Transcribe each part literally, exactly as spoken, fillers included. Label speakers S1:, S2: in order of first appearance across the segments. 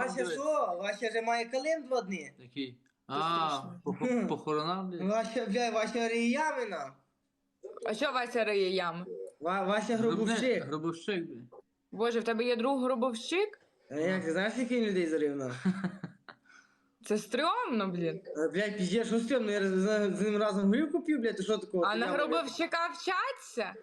S1: Вася що? Вася вже має калин два дні.
S2: Який? А, пох- похорона, блядь.
S1: Вася, бля, Вася Ріямина.
S3: А що Вася риє ями?
S1: Ва- Вася
S2: Гробне-
S1: Гробовщик.
S2: Гробовщик, блядь.
S3: Боже, в тебе є друг гробовщик?
S1: А як, ти знаєш, який він людей зарив на?
S3: Це стрьомно, блін.
S1: Блядь, піздєш, що стрьомно, я з з ним разом горілку п'ю, блядь, ти що такого?
S3: А
S1: Ти
S3: на
S1: я-
S3: гробовщика вчаться?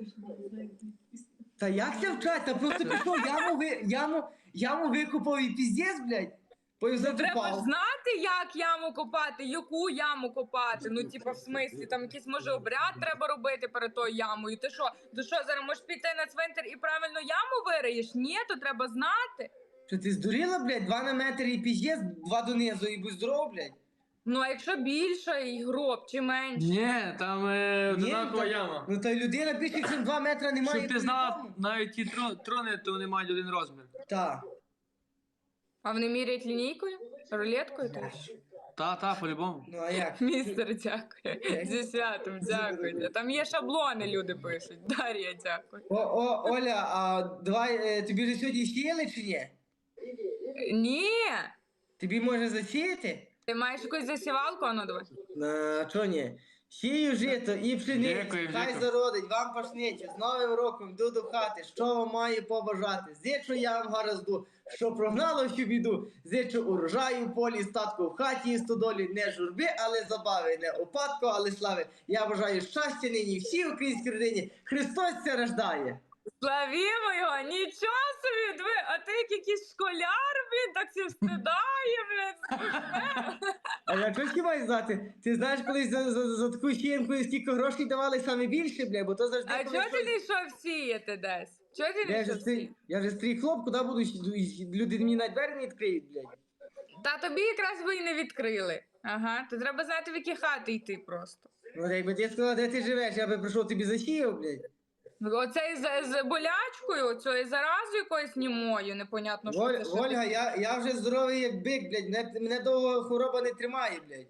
S1: Та як це вчать? Та просто пішов, яму, ви, яму, яму викупав і піздець, блядь. Потім
S3: Треба ж
S1: закопав.
S3: знати, як яму копати, яку яму копати. Ну, типа, в смислі, там якийсь може обряд треба робити перед тою ямою. Ти що, ти що, зараз можеш піти на цвинтар і правильно яму вириєш? Ні, то треба знати.
S1: Що ти здуріла, блядь? Два на метр і піздець, два донизу і будь здоров, блядь.
S3: Ну, а якщо більше і гроб, чи менше?
S2: Ні, там е,
S1: Ні,
S2: одинакова
S1: та-
S2: яма.
S1: Ну та й людина більше, ніж два метри немає.
S2: Щоб ти знала, навіть ті тро- трони, то вони мають один розмір.
S1: Так.
S3: А вони міряють лінійкою? Рулеткою? теж?
S2: Та, та, по-любому.
S1: Ну а як?
S3: Містер, дякую. Зі святом, дякую. Там є шаблони, люди пишуть. Дар'я, дякую.
S1: О, о, Оля, а давай, е, тобі ж сьогодні сіяли чи ні?
S3: Ні!
S1: Тобі може засіяти?
S3: Ти маєш якусь засівалку? А ну давай.
S1: На чо ні? Сію жито і пшеницю,
S2: Дякую,
S1: хай
S2: дякую.
S1: зародить, вам пашниче, з Новим роком йду до хати, що вам маю побажати? Зичу я вам гаразду, що прогнало всю біду, зичу урожаю, в полі, статку в хаті і стодолі, не журби, але забави, не опадку, але слави. Я бажаю щастя нині всій українській родині, Христос ся рождає.
S3: Славімо його! Нічого собі! Диви, а ти як якийсь школяр, блін, так всі встидає, блін.
S1: А я щось маю знати? Ти знаєш, колись за, за, за таку сіянку скільки грошей давали саме більше, бля, бо то завжди...
S3: А
S1: коли
S3: чого ти
S1: щось-
S3: не йшов сіяти десь? Чого ти не
S1: Я вже
S3: йшов
S1: стрій,
S3: сіяти?
S1: я вже стрій хлоп, куди буду йти? Люди мені на двері не відкриють, блядь.
S3: Та тобі якраз ви і не відкрили. Ага, то треба знати, в які хати йти просто.
S1: Ну, якби ти сказала, де ти живеш, я би прийшов тобі засіяв, блядь.
S3: Оцей з, з болячкою, оцею заразою якоюсь німою, непонятно, що
S1: Воль,
S3: це. що
S1: Ольга,
S3: ти-
S1: я, я вже здоровий як бик, блядь, мене, мене довго хвороба не тримає, блядь.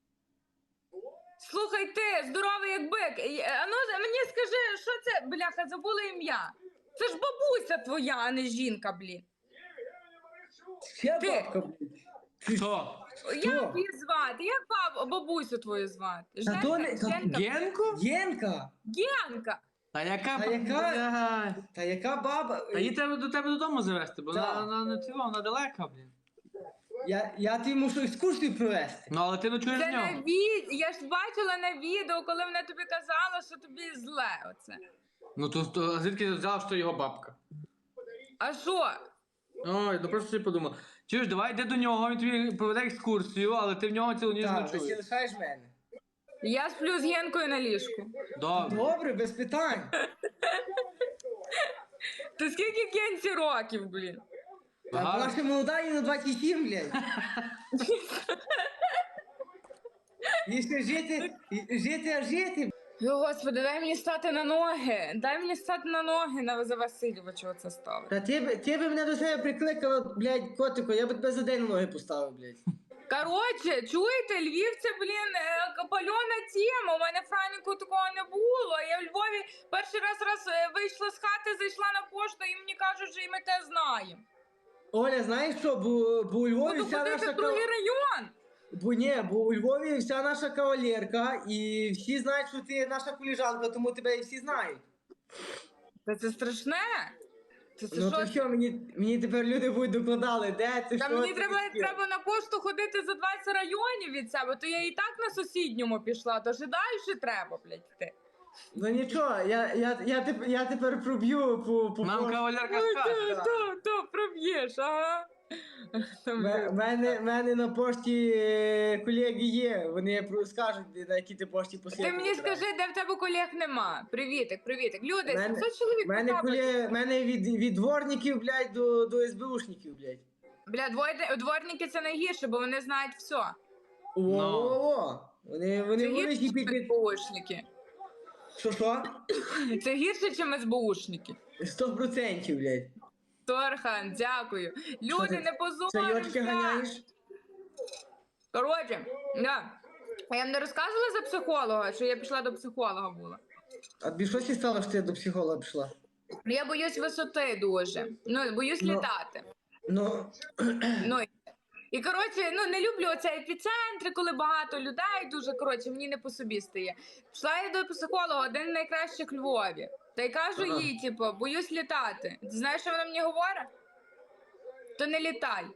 S3: Слухай ти, здоровий як бик. І, е, А ну мені скажи, що це, бляха, забула ім'я. Це ж бабуся твоя, а не жінка, блін.
S1: Ще
S3: Ти-
S1: бабка, блядь.
S2: Хто?
S3: Як її звати? Як баб, бабусю твою звати?
S1: Та то не- та-
S3: Женка?
S2: Генку?
S1: Єнка!
S3: Генка.
S2: Та яка?
S1: Та яка?
S2: Бля.
S1: Та яка баба?
S2: Та її треба до тебе додому завести, бо
S1: Так.
S2: вона, вона не цього, вона далека, блін.
S1: Я, я тобі мушу екскурсію провести.
S2: Ну, але ти ночуєш
S3: Це
S2: з
S3: на
S2: нього.
S3: від... Я ж бачила на відео, коли вона тобі казала, що тобі зле оце.
S2: Ну, то, то а звідки ти взяла, що його бабка?
S3: А що?
S2: Ой, ну просто собі подумав. Чуєш, давай йди до нього, він тобі проведе екскурсію, але ти в нього цілу ніч
S1: Так, ти
S2: ночуєш.
S1: лишаєш мене.
S3: Я сплю з Генкою на ліжку.
S2: Добре.
S1: Добре, без питань.
S3: Ти скільки Генці років, блін?
S1: А
S2: Ага.
S1: вона ще молода і на двадцять сім, блядь. І ще жити, і жити, а жити.
S3: О, Господи, дай мені стати на ноги. Дай мені стати на ноги на за Васильовича оце ставить.
S1: Та ти, б- ти би мене до себе прикликала, блядь, котику, я би тебе за день на ноги поставив, блядь.
S3: Коротше, чуєте, Львів це, блін, е, пальона тема. У мене Франіку такого не було. Я в Львові перший раз раз е, вийшла з хати, зайшла на пошту, і мені кажуть, що і ми те знаємо.
S1: Знаєш знаєш що, бо, бо у Львові
S3: Буду
S1: вся
S3: ходити
S1: наша
S3: в другий
S1: кав...
S3: район.
S1: Бо ні, бо у Львові вся наша кавалерка, і всі знають, що ти наша коліжанка, тому тебе і всі знають.
S3: Та це страшне. Це, це
S1: Ну
S3: що?
S1: то що, мені, мені тепер люди будуть докладали, де це,
S3: Та
S1: що
S3: мені
S1: це
S3: треба,
S1: таке?
S3: треба на пошту ходити за двадцять районів від себе, то я і так на сусідньому пішла, то ж і далі треба, блядь, йти.
S1: Ну нічого, я, я, я, тепер, я тепер проб'ю по, по
S2: Нам
S1: пошту.
S2: кавалерка
S3: Ой,
S2: скаже.
S3: то, то, то проб'єш, ага. Там,
S1: Ме- мене, мене на пошті е, колеги є, вони про- скажуть, де- на якій ти пошті послідки.
S3: Ти мені скажи, де в тебе колег нема. Привітик, привітик. Люди,
S1: Мене-
S3: сімсот чоловік
S1: мене,
S3: потрапили.
S1: куле, мене від, від дворників, блядь, до, до СБУшників, блядь.
S3: Бля, двойне- дворники це найгірше, бо вони знають все.
S1: О-о-о! Вони, вони
S3: Це
S1: будуть
S3: гірше,
S1: і
S3: ніж
S1: під...
S3: СБУшники.
S1: Що, що?
S3: Це гірше, ніж СБУшники.
S1: Сто процентів, блядь.
S3: Торхан, дякую.
S1: Що
S3: Люди,
S1: ти,
S3: не позоримся.
S1: чайочки ганяєш?
S3: Коротше, да. А я вам не розказувала за психолога, що я пішла до психолога була.
S1: А тобі щось і стало, що ти до психолога пішла?
S3: Я боюсь висоти дуже. Ну, боюсь
S1: Ну.
S3: літати.
S1: Ну,
S3: Ну, і- і, коротше, ну, не люблю оце епіцентри, коли багато людей, дуже, коротше, мені не по собі стає. Пішла я до психолога, один з найкращих в Львові. Та й кажу
S2: Ага.
S3: їй, типу, боюсь літати. Ти знаєш, що вона мені говорить? То не літай.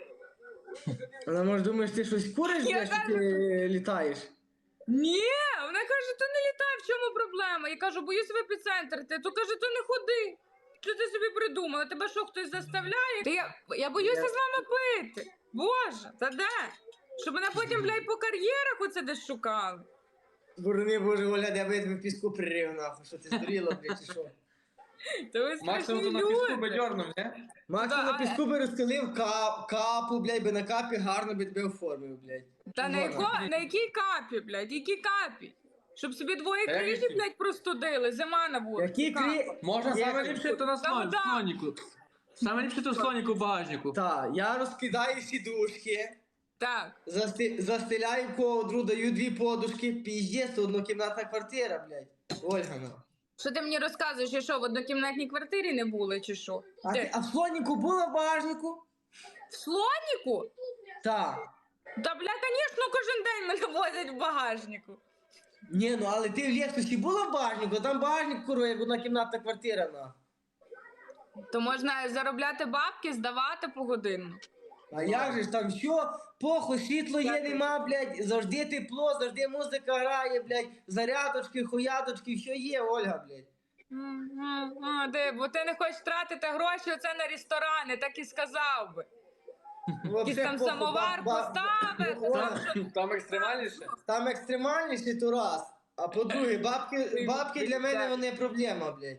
S1: вона може думаєш, ти щось куриш,
S3: Я
S1: блядь, що
S3: кажу-
S1: ти літаєш?
S3: Ні, вона каже, то не літай, в чому проблема? Я кажу, боюсь в епіцентр. Ти, то каже, то не ходи. Що ти собі придумала? Тебе що, хтось заставляє? Та я, я боюся
S1: Я-
S3: з вами пити. Боже, та де? Щоб мене потім, блядь, по кар'єрах оце десь шукали.
S1: Борони, боже, Оля, я би тебе в піску пририв, нахуй, що ти здуріла, блядь, чи що?
S3: Та ви
S2: Максимум
S3: страшні
S2: то на піску
S3: люди.
S2: бадьорнув, не?
S1: Максим
S3: Да,
S1: на піску би розкалив кап, капу, блядь, би на капі гарно би тебе оформив, блядь.
S3: Та на,
S1: Вона.
S3: яко, на якій капі, блядь, які капі? Щоб собі двоє
S2: Та як
S3: крижі,
S2: які?
S3: блядь, простудили, зима на вулиці.
S1: Які
S3: Капа.
S1: крі...
S2: Можна
S1: Є-
S2: саме ліпше то на
S3: Та
S2: слон,
S3: да.
S2: слоніку. Саме ліпше то в слоніку в багажнику.
S1: Так, я розкидаю сідушки,
S3: Так.
S1: засти... застеляю ковдру, даю дві подушки, піздець, однокімнатна квартира, блядь. Ольга, ну.
S3: Що ти мені розказуєш, що що, в однокімнатній квартирі не були, чи що?
S1: А,
S3: Де?
S1: ти... а в слоніку була в багажнику?
S3: В слоніку?
S1: Так.
S3: Та, бля, звісно, кожен день мене возять в багажнику.
S1: Ні, ну але ти в Лексусі була в багажнику, там багажник, курва, як однокімнатна квартира, на.
S3: То можна заробляти бабки, здавати погодинно.
S1: А як же ж там що? Похуй, світло є, нема, блядь, завжди тепло, завжди музика грає, блядь, зарядочки, хуяточки, що є, Ольга, блядь.
S3: М, а, де, бо ти не хочеш тратити гроші оце на ресторани, так і сказав би. Якийсь
S1: Вообще
S3: там
S1: похуй,
S3: самовар
S1: ба- ба-
S3: поставити.
S1: Ольга,
S3: там що-
S2: Там екстремальніше?
S1: Там екстремальніше то раз. А по-друге, бабки, бабки для мене вони проблема, блядь.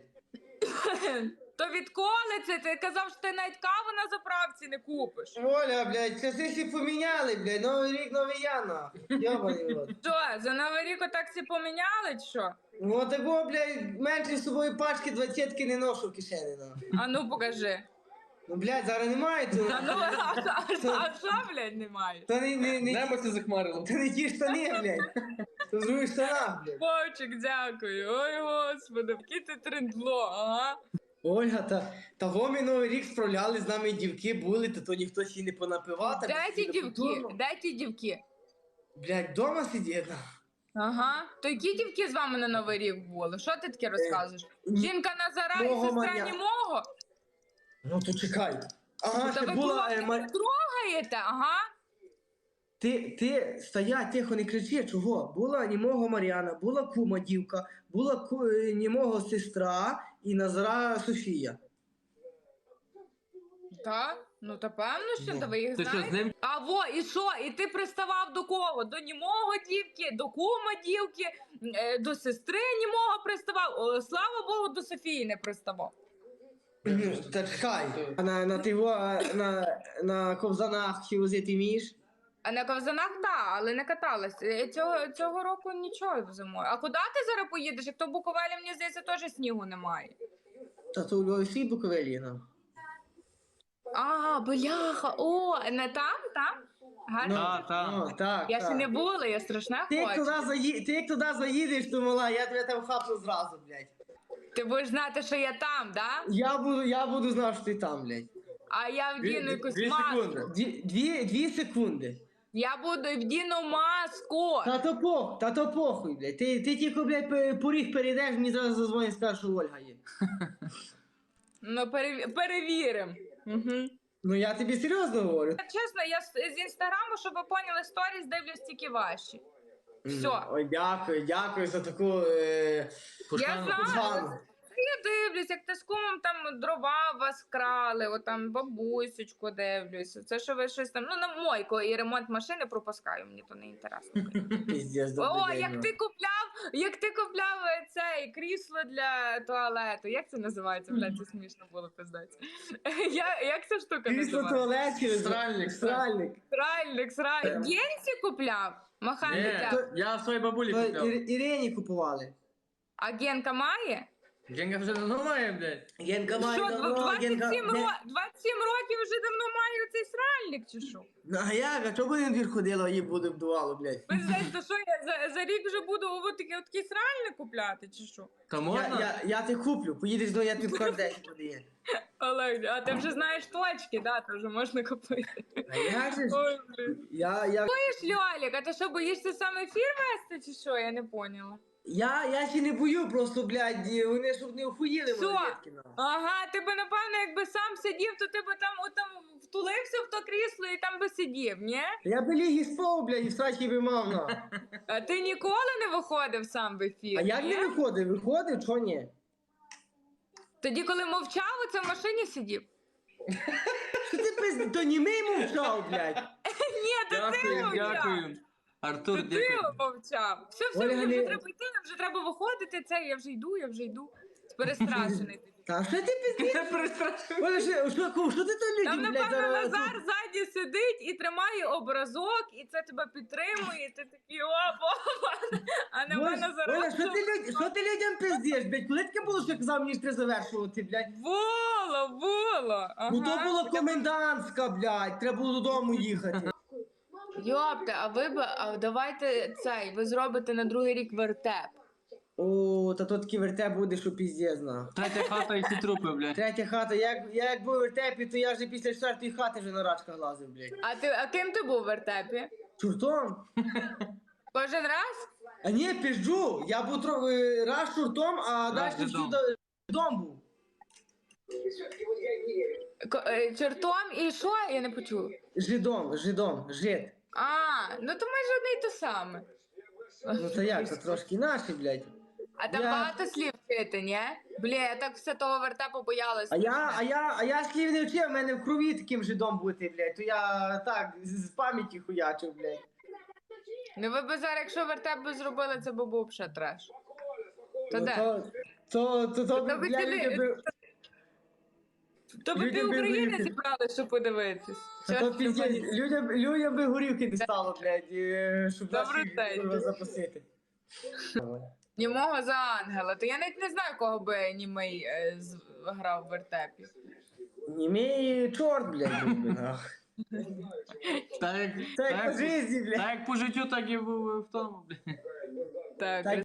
S3: То відколи це? Ти казав, що ти навіть каву на заправці не купиш.
S1: Оля, блядь, часи всі поміняли, блядь, новий рік, новий я, нахуй. Йобаний рот.
S3: Що, за Новий рік отак всі поміняли, чи що?
S1: Ну такого, блядь, менше з собою пачки двадцятки не ношу в кишені, нахуй.
S3: А ну покажи.
S1: Ну, блядь, зараз немає цього.
S3: А ну, а, а, а що, блядь, немає?
S1: То не, не, не,
S2: Небо це захмарило.
S1: то не ті штани, блядь. То в других штанах, блядь.
S3: Вовчик, дякую. Ой, господи, який ти трендло, ага.
S1: Ольга, та того ми новий рік справляли, з нами дівки були, то то ніхто ще й не понапивав. так
S3: Де ті
S1: сиділи
S3: дівки?
S1: культурно.
S3: Де ті дівки?
S1: Блядь, дома сидіти.
S3: Ага. То які дівки з вами на Новий рік були? Що ти таке розказуєш?
S1: ні-
S3: Жінка Назара і
S1: Мого
S3: сестра
S1: Мар'я.
S3: Німого?
S1: Ну то чекай. Ага,
S3: Та
S1: ще
S3: ви
S1: була... е,
S3: хлопці
S1: Ма-
S3: трогаєте, ага.
S1: Ти, ти, стоять, тихо, не кричи, чого? Була німого Мар'яна, була кума дівка, була ку... е, німого сестра і Назара Софія.
S3: Так? Ну, та певно, що
S1: Ну.
S3: та ви їх
S2: Ти що, з
S3: знаєте.
S2: ним?
S3: А во, і що? І ти приставав до кого? До німого дівки, до кума дівки, е, до сестри німого приставав. О, слава Богу, до Софії не приставав.
S1: Та чекай. А на, на, тиво, а, на, на ковзанах чи возити вмієш?
S3: А на ковзанах так, але не каталась. Е, Цього, цього року нічого зимою. А куди ти зараз поїдеш? Як то в Буковелі, мені здається, теж снігу немає.
S1: Та то у Львові всі буковелі, ну.
S3: А, бляха, о, не там, там? Гарно.
S2: Та, та.
S1: Ну, так,
S3: Я
S1: так.
S3: ще не була, я страшна
S1: Ти як,
S3: хочу.
S1: туди заї... Ти як туди заїдеш, то мала, я тебе там хапну зразу, блядь.
S3: Ти будеш знати, що я там, да?
S1: Я буду, я буду знати, що ти там, блядь.
S3: А я вдіну якусь
S2: Дві
S3: маску.
S2: секунди.
S1: Дві, дві, дві секунди.
S3: Я буду і вдіну маску.
S1: Та то похуй, та то похуй, блядь. Ти, ти тільки, блядь, пе- поріг перейдеш, мені зразу зазвонить і скажеш, що Ольга є.
S3: Ну, перев... перевіримо. Угу.
S1: Ну я тобі серйозно говорю.
S3: Чесно, я з з інстаграму, щоб ви поняли, сторіс дивлюсь тільки ваші. Все.
S1: Ой, дякую, дякую за таку... Е...
S3: Я знаю.
S1: пошану.
S3: Я дивлюсь, як ти з кумом там дрова вас крали, отам бабусечку дивлюсь. Це що ви щось там, ну на мойку і ремонт машини пропускаю, мені то не інтересно.
S1: Піздець, добрий
S3: О,
S1: день,
S3: як
S1: ну.
S3: ти купляв, як ти купляв е, цей крісло для туалету. Як це називається? Блядь, це смішно було пиздець. Я, як ця штука
S1: Крісло
S3: називається?
S1: туалет через...
S2: Сральник,
S1: Сральник.
S3: Сральник, сральник. Генці купляв? Махай
S2: Ні,
S3: дитя.
S2: я в своїй бабулі
S1: То
S2: купляв.
S1: Ір- Ірині купували.
S3: А Генка має?
S2: Генка вже давно має, блядь.
S1: Генка має
S3: Що,
S1: давно,
S3: двадцять сім,
S1: Генка...
S3: ро- двадцять сім років вже давно маю цей сральник, чи що?
S1: Ну, а як? А чого буде двір ходила, її буде вдувало, блядь?
S3: Ви знаєте, то що я за, за рік вже буду от такий, от такий сральник купляти, чи що?
S2: Та
S1: Я,
S2: можна?
S1: я, я ти куплю, поїдеш до я тобі в кардесі подає.
S3: Олег, а ти вже знаєш точки, да, то вже можна купити.
S1: А як же ж?
S3: Ой, блін.
S1: Я, я,
S3: Ти ж, Льолік, а ти що, боїшся сам ефір вести, чи що? Я не поняла.
S1: я, я ще не бою, просто, блядь, вони щоб не охуїли
S3: Що?
S1: малолетки. ну.
S3: Ага, ти би, напевно, якби сам сидів, то ти би там, от там втулився в то крісло і там би сидів, ні?
S1: Я би ліг і спав, блядь, і срачки би мав, на.
S3: А ти ніколи не виходив сам в ефір,
S1: А як
S3: ні?
S1: не виходить? Виходить, чого ні?
S3: Тоді, коли мовчав, оце в машині сидів?
S1: Що ти пиз... То німий мовчав, блядь.
S3: Ні, то ти
S2: Дякую,
S3: мовчав.
S2: дякую. Артур,
S3: То ти
S2: дякую.
S3: мовчав. Все, все,
S1: Оля,
S3: мені вже
S1: не-
S3: треба йти, нам вже треба виходити, це, я вже йду, я вже йду. Перестрашений.
S1: Та що ти пиздиш?
S2: Я перестрашив.
S1: Оля, що, що, кому, що ти то
S3: Там,
S1: людям, блядь,
S3: напевно,
S1: зараз...
S3: Назар ззаді сидить і тримає образок, і це тебе підтримує, і ти такий опа, а на
S1: Оля,
S3: мене
S1: Оля,
S3: зараз.
S1: що ти, люд... що ти людям пиздиш, блядь? Коли таке було, що я казав, мені ж треба завершувати, блядь?
S3: Було, було. Ага.
S1: Ну то було комендантська, блядь, треба було додому їхати.
S3: Йопте, а ви б, а давайте цей, ви зробите на другий рік вертеп.
S1: О, та то такий вертеп буде, що піздець, на.
S2: Третя хата і всі трупи, блядь.
S1: Третя хата, як, я як був у вертепі, то я вже після четвертої хати вже на рачках лазив, блядь.
S3: А ти, а ким ти був в вертепі?
S1: Чуртом?
S3: Кожен раз?
S1: А ні, пізджу, я був тро... е, раз чуртом, а далі
S2: додому.
S1: всю до... дом був.
S3: Ко- е, Чортом і що? Я не почула.
S1: Жидом, жидом, жид.
S3: А, ну то майже одне й то саме.
S1: Ну це як, це трошки наші, блядь.
S3: А там
S1: Я-
S3: багато слів вчити, ні? Бля, я так все того вертепу боялась.
S1: А я, а я, а я слів не вчив, в мене в крові таким жидом бути, блядь, то я так, з з пам'яті хуячив, блядь.
S3: Ну ви б зараз, якщо вертеп би зробили, це би був ще треш. То
S1: Ну,
S3: де?
S1: То, то, то, то,
S3: То ви
S1: я
S3: ціли-
S1: людям би-
S3: То би
S1: Людям
S3: пів
S1: би
S3: України
S1: горіхи.
S3: зібрали, щоб подивитись.
S1: Та то
S3: Чорт
S1: піздець,
S3: забери.
S1: людям, людям би горівки не стало, блядь, і, щоб
S3: Добрий
S1: наші
S3: день.
S1: курва запасити.
S3: Німого за ангела. То я навіть не знаю, кого би німий е, з- грав в вертепі.
S1: Німей чорт, блядь, був би, нах.
S2: Так як,
S1: Це
S2: так
S1: як по
S2: як,
S1: житті, блядь.
S2: так як по життю, так і в, в тому, блядь.
S3: Так,
S1: Так